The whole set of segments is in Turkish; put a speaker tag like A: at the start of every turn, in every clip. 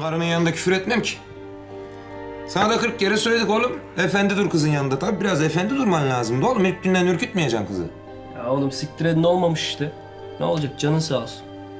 A: karının yanında küfür etmem ki. Sana da 40 kere söyledik oğlum. Efendi dur kızın yanında. Tabii biraz efendi durman lazımdı oğlum. İlk günden ürkütmeyeceksin kızı.
B: Ya oğlum siktir edin olmamış işte. Ne olacak canın sağ olsun.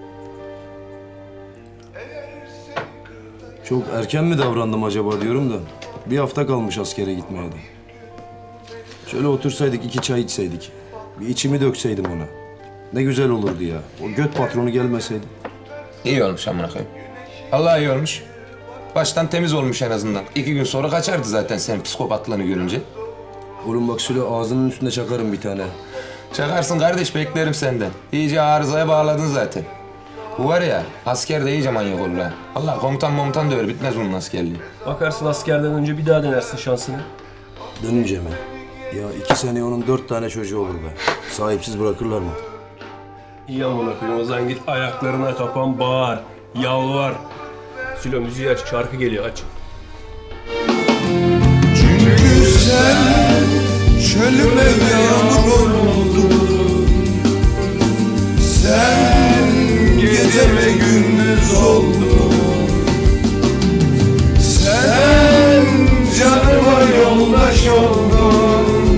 C: Çok erken mi davrandım acaba diyorum da. Bir hafta kalmış askere gitmeye de. Şöyle otursaydık 2 çay içseydik. Bir içimi dökseydim ona. Ne güzel olurdu ya. O göt patronu gelmeseydi.
A: İyi olmuş amına koyayım. Allah iyi olmuş. Baştan temiz olmuş en azından. 2 gün sonra kaçardı zaten senin psikopatlığını görünce.
C: Oğlum bak şöyle ağzının üstünde çakarım bir tane.
A: Çakarsın kardeş, beklerim senden. İyice arızaya bağladın zaten. Bu var ya, asker de iyice manyak olur ha. Allah komutan döver, bitmez bunun askerliği.
B: Bakarsın askerden önce bir daha denersin şansını.
C: Dönünce mi? Ya 2 sene onun 4 tane çocuğu olur be. Sahipsiz bırakırlar mı?
B: İyi amına koyayım, o zaman git ayaklarına kapan bağır, yalvar. Sülo müziği aç, şarkı geliyor aç.
D: Çünkü sen çölüme yağmur oldun. Sen gece ve gündüz oldun. Sen canıma yoldaş oldun.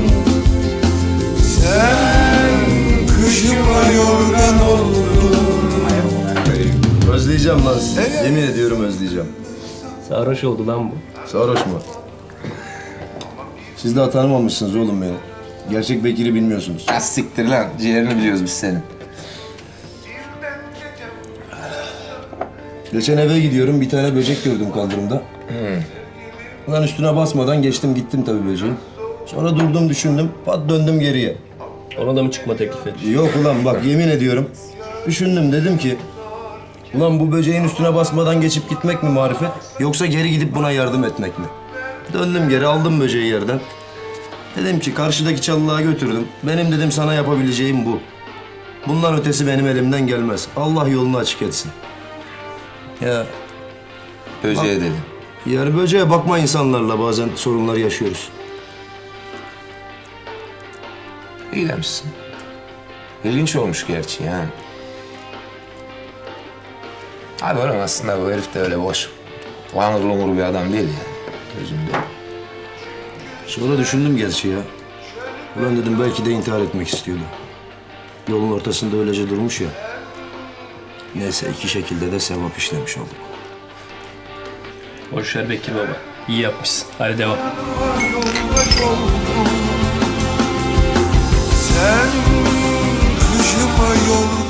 D: Sen kışıma yorgan oldun.
C: Özleyeceğim lan. Yemin ediyorum özleyeceğim.
B: Sarhoş oldu lan bu.
C: Sarhoş mu? Siz daha tanımamışsınız oğlum beni. Gerçek Bekir'i bilmiyorsunuz.
A: Az siktir lan, ciğerini biliyoruz biz senin.
C: Geçen eve gidiyorum, bir tane böcek gördüm kaldırımda. Ulan üstüne basmadan geçtim gittim tabii böceğin. Sonra durdum düşündüm, pat döndüm geriye.
B: Ona da mı çıkma teklif et?
C: Yok ulan bak yemin ediyorum. Düşündüm dedim ki... Ulan bu böceğin üstüne basmadan geçip gitmek mi marifet? Yoksa geri gidip buna yardım etmek mi? Döndüm geri aldım böceği yerden. Dedim ki karşıdaki çalılığa götürdüm. Benim dedim sana yapabileceğim bu. Bundan ötesi benim elimden gelmez. Allah yolunu açık etsin. Ya
A: Böceğe dedim.
C: yani böceğe bakma insanlarla bazen sorunlar yaşıyoruz.
A: İyi demişsin. İlginç olmuş gerçi yani. Abi oğlum aslında bu herif de öyle boş. Langır lungur bir adam değil yani. Gözümde.
C: Sonra düşündüm gerçi ya. Ulan dedim belki de intihar etmek istiyordu. Yolun ortasında öylece durmuş ya. Neyse 2 şekilde de sevap işlemiş olduk.
B: Boş ver Bekir baba. İyi yapmışsın. Hadi devam.
D: Yoldaş oldun. Sen kışıma yorgan